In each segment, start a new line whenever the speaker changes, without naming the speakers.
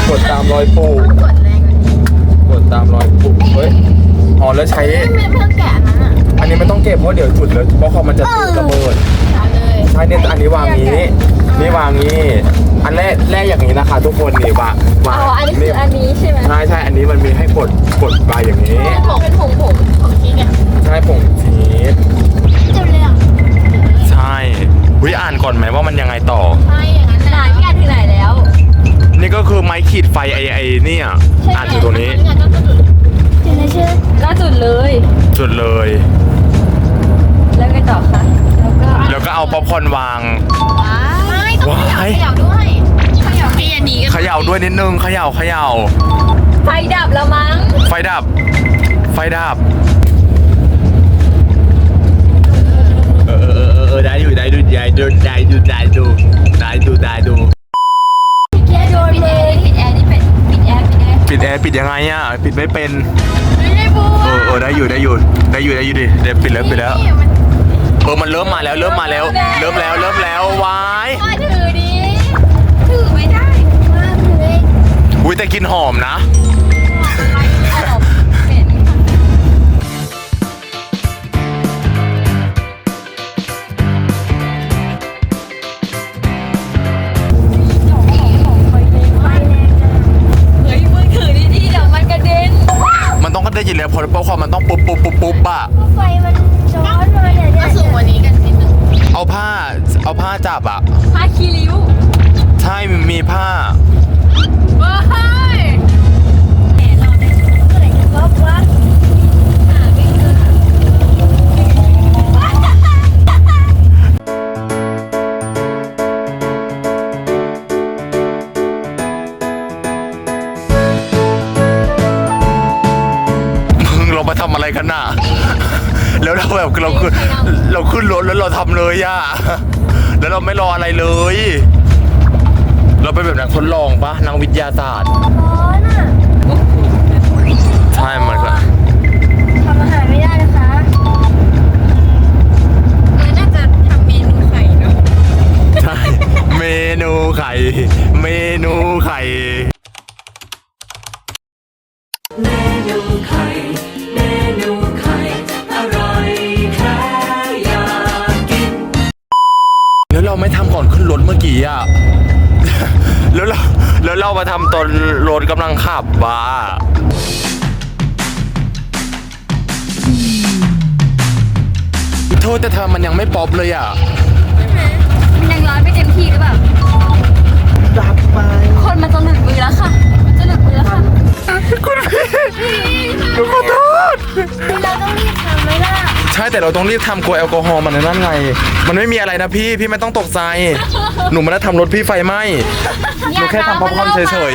กดตามรอยปูกดตามรอยปูเฮ้ยอ๋อแล้วใช้
ไม่เพื่อแกะนั้นอ่ะ
อันนี้ไม่ต้องเก็บเพราะเดี๋ยวจุดเลยเพราะคอมันจะระเบิดใช่เนี่ยอันนี้วางนี้นี่วางนี้อันแรกอย่างนี้นะคะทุกคนนี่วาง
อันนี้คืออันนี้ใช่ไหม
ใช่อันนี้มันมีให้กดไปอย่างนี้
เป็นผงชีสอ่ะ
ใช่ผงชีส
จุดเลยอ่ะ
ใช่วิอ่านก่อนไหมว่ามันยังไงต่อ
ใช่อย่างนั้นไหนพี่อ่านถึงไหนแล้ว
นี่ก็คือไม้ขีดไฟไอเนี่ยอ่านอยู่ตรงนี้
จุดเลยชื่อก็จุดเลยแล้วไงต่อคะ
แล้วก็เอาป๊อปคอร์นวาง
ไม่ต้องเขย่าด้วยเขย่าให้อันนี้
เขย่าด้วยนิดนึงเขย่า
ไฟดับแล้วมั้ง
ไฟดับได้อยู่ได้ดูแกโดนเลยปิดแอร์นี่ปิดยังไงอ่ะปิดไม่เป็น
ไม่ได้บู
ได้อยู่ดิเดี๋ยวปิดแล้วมันเริ่มมาแล้ววาย
ถือดิถือไม่ได้มาถือ
อุ้ยแต่กินหอมนะมันต้องกระเด็นอยู่แล้วเพราะป๊อปคอร์นมันต้องปุ๊บอ่ะ
ไฟมันร้อนเลยเนี่ยสูงกว่านี้กันนิดนึง
เอาผ้าจับอ่ะ
ผ้าคีริ้ว
ใช่มีผ้า
ว้ายเราได้เมื่อไหร่จะป๊อปวะ
มาทำอะไรกันน่ะแล้วเราแบบเราขึ้นรถแล้วเราทำเลยอ่ะแล้วเราไม่รออะไรเลยเราเป็นแบบนักทดลองปะนักวิทยาศาสตร์ใช่มันก็
ทำอาหารไม่ได้นะคะน่าจะทำเมนูไข่เนาะ
ใช่เมนูไข่เราไม่ทำก่อนขึ้นรถเมื่อกี้อ่ะ แล้วเรามาทำตอนรถกำลังขับบ้าโทษแต่เธอมันยังไม่ป๊อปเลยอ่ะ
มันยังร้อนไม่เต็มที่หรือเปล่า
ดับไป
คนมันจะหลุดมือแล้วค่ะ
คุณพี่ขอโทษ
เราต้องรีบทำไหมล่ะ
ใช่แต่เราต้องรีบทำกลัวแอลกอฮอล์มันนั่นไงมันไม่มีอะไรนะพี่ไม่ต้องตกใจหนูไม่ได้ทำรถพี่ไฟไหม้หนูแค่ทำป๊อปคอร์นเฉย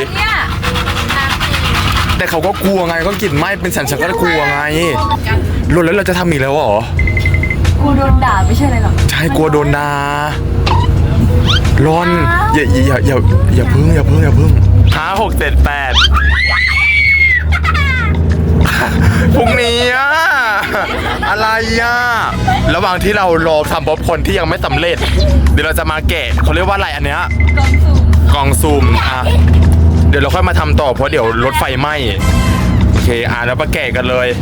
ๆแต่เขาก็กลัวไงก็กลิ่นไหม้เป็นฉันก็กลัวไงรถแล้วเราจะทำอีกแล้วเหรอก
ลัวโดนด่าไม่ใช่เลยหรอ
ใช่กลัวโดนด่าร้อนอย่าพึ่ง5 6 7 8พรุ่งนี้อะอะไรอะระหว่างที่เรารอทำป๊อปคอร์นที่ยังไม่สำเร็จเดี๋ยวเราจะมาแกะเขาเรียกว่าอะไรอันเนี้ยกล่องซูมอ่ะเดี๋ยวเราค่อยมาทำต่อเพราะเดี๋ยวรถไฟไหม้โอเคแล้วมาแกะกันเลย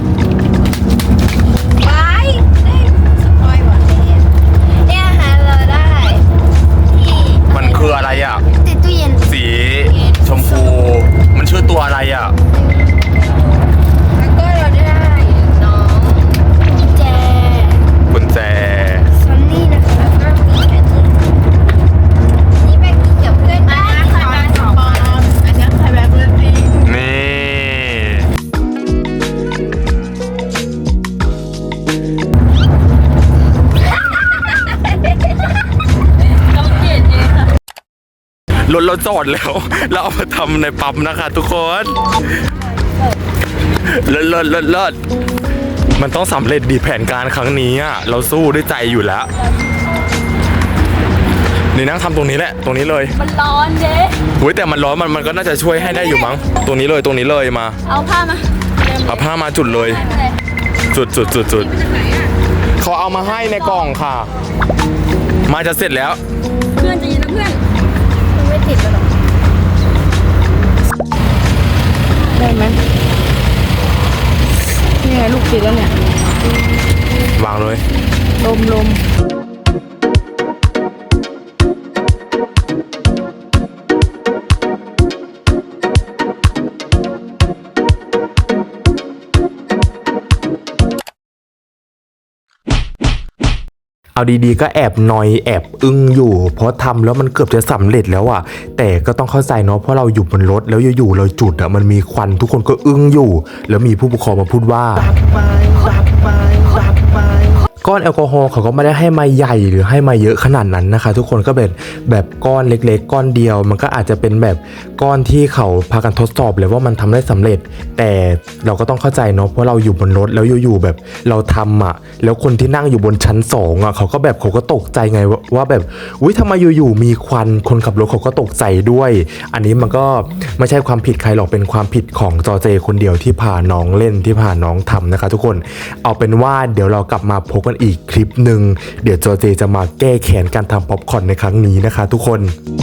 เนี่ยฮะเราได้
มันคืออะไรอ่ะ
ติดตู้เย็น
สีชมพูมันชื่อตัวอะไรอ่ะ
แล้วก็เราได้น้อง
กุญแจ
ซันนี่นะคะก็มีแค่นี้แบกเกี่ยวเพื่อนได้ใครแบก2 ปอนด์อันนี้ใครแบกเพื่อนจริง
นี่รถเราจอดแล้วเราเอามาทำในปั๊มนะคะทุกคนเลิศมันต้องสำเร็จดีแผนการครั้งนี้อ่ะเราสู้ด้วยใจอยู่แล้วนี่นั่งทำตรงนี้แหละตรงนี้เลย
มันร้อนเจ๊
อุ้ยแต่มันร้อนมันก็น่าจะช่วยให้ได้อยู่มั้งตรงนี้เลยมา
เอาผ้ามา
จุดเลยจุดเขาเอามาให้ในกล่องค่ะมาจะเสร็จแล้ว
เพื่อนจะยินนะเพื่อนไม่ติดแล้วหรอลม
เอาดีๆก็แอบนอยแอบอึ้งอยู่ เพราะทำแล้วมันเกือบจะสำเร็จแล้วอ่ะแต่ก็ต้องเข้าใจเนาะเพราะเราอยู่บนรถแล้วอยู่ๆเราจุดอ่ะมันมีควันทุกคนก็อึ้งอยู่ แล้วมีผู้ปกครองมาพูดว่าก้อนแอลกอฮอล์เขาก็ไม่ได้ให้มาใหญ่หรือให้มาเยอะขนาดนั้นนะคะ ทุกคนก็แบบก้อนเล็กๆก้อนเดียวมันก็อาจจะเป็นแบบก้อนที่เขาพากันทดสอบเลยว่ามันทำได้สำเร็จ แต่เราก็ต้องเข้าใจเนาะเพราะเราอยู่บนรถแล้วอยู่ๆแบบเราทำอ่ะแล้วคนที่นั่งอยู่บนชั้น2อ่ะเขาก็ตกใจไงว่าแบบอุ้ยทำไมอยู่ๆมีควันคนขับรถเขาก็ตกใจด้วย อันนี้มันก็ไม่ใช่ความผิดใครหรอกเป็นความผิดของจอเจคนเดียวที่พาน้องเล่นที่พาน้องทำนะคะ ทุกคนเอาเป็นว่าเดี๋ยวเรากลับมาพบกันอีกคลิปหนึ่งเดี๋ยวจอเจจะมาแก้แค้นการทำป๊อปคอร์นในครั้งนี้นะคะ ทุกคน